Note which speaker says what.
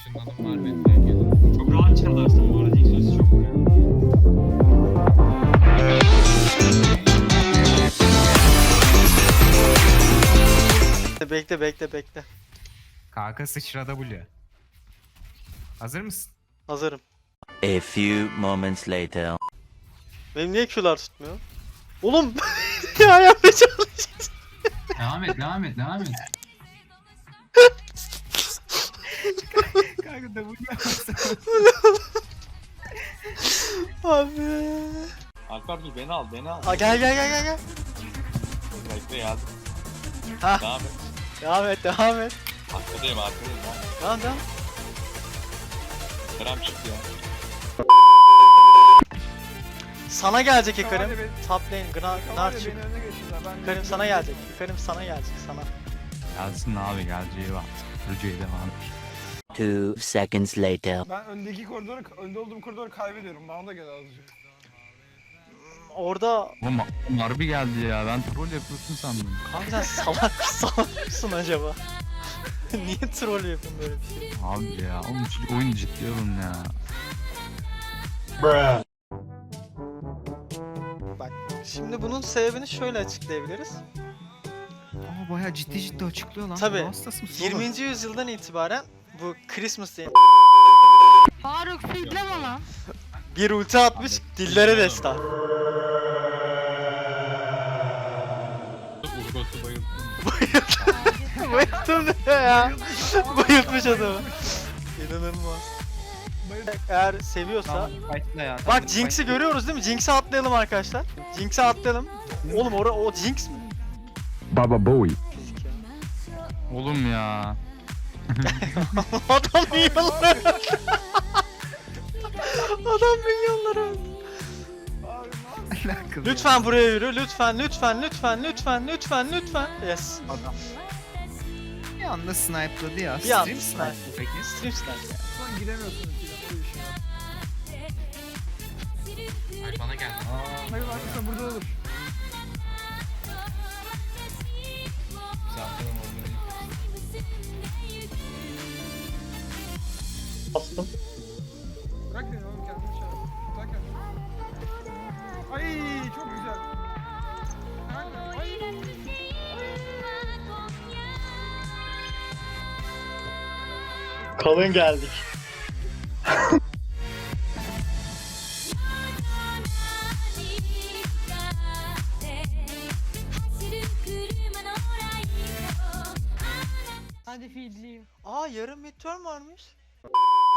Speaker 1: Işınlanım var benim.
Speaker 2: Çok rahat çalarsın bu arada. İlk sözü çok vuruyor.
Speaker 3: Bekle.
Speaker 1: Kanka sıçra W. Hazır mısın?
Speaker 3: Hazırım.
Speaker 4: A few moments later.
Speaker 3: Benim niye Q'lar tutmuyor? Oğlum ya yapmaya çalışacağız.
Speaker 2: Devam et.
Speaker 1: Kanka W yapmasın.
Speaker 3: Abi.
Speaker 5: Alper dur beni al.
Speaker 3: Aa, gel.
Speaker 5: Bekle ya.
Speaker 3: Ha.
Speaker 5: Devam et.
Speaker 3: Devam et.
Speaker 5: Arkadayım.
Speaker 3: Tamam.
Speaker 5: Kerem çıktı ya.
Speaker 3: Sana gelecek Hikarim.
Speaker 6: Tamam, hadi
Speaker 3: Top lane, Gnar çık.
Speaker 6: Beni önüne geçtiler. Ben
Speaker 3: Hikarim sana gelecek. Hikarim sana gelecek sana.
Speaker 1: Gelsin abi geleceği var. Rüceyi devam.
Speaker 4: 2 seconds later.
Speaker 6: Ben önde olduğum koridoru kaybediyorum. Bana da gel azıcık.
Speaker 3: Orada
Speaker 1: Oğlum harbi geldi ya. Ben troll yapıyorsun sandım.
Speaker 3: kanka sen salak mısın acaba? Niye troll yapıyorsun böyle bir şey?
Speaker 1: Abi ya. Oğlum şu oyun ciddi alın ya.
Speaker 3: Bak şimdi bunun sebebini şöyle açıklayabiliriz.
Speaker 1: Aa bayağı ciddi açıklıyor lan.
Speaker 3: Tabii,
Speaker 1: Ruh hastası mısın
Speaker 3: 20. yüzyıldan itibaren bu Christmas Day
Speaker 7: Faruk feedleme lan.
Speaker 3: bir ulti atmış dillere destan.
Speaker 5: Urgos'u bayıldım.
Speaker 3: Bayıldım ne ya? Bayıltmış adamı. İnanılmaz. Eğer seviyorsa... Bak Jinx'i görüyoruz değil mi? Jinx'e atlayalım arkadaşlar. Jinx'e atlayalım. Oğlum o Jinx mi?
Speaker 1: Baba Bowie.
Speaker 3: Fizik ya.
Speaker 1: Oğlum ya.
Speaker 3: Adam milyonları öldü. Adam milyonları öldü. Lütfen buraya yürü. Lütfen. Yes.
Speaker 1: Bir anda snipe'ladı ya.
Speaker 3: Bir anda
Speaker 1: Stream
Speaker 3: snipe.
Speaker 1: peki.
Speaker 3: Stream snipe ya.
Speaker 6: Sen giremiyorsun ülkeden. Öyle bir şey var.
Speaker 2: Ay bana geldi.
Speaker 6: Hayır arkadaşlar burada olur.
Speaker 2: Zaten orada.
Speaker 3: Bastım.
Speaker 6: Bırak beni oğlum kendini şey yap. Bırak kendini. Ay çok güzel. Nerede? Ay.
Speaker 3: Kalın geldik.
Speaker 7: Hadi feedleyeyim.
Speaker 3: Aa yarın midterm varmış.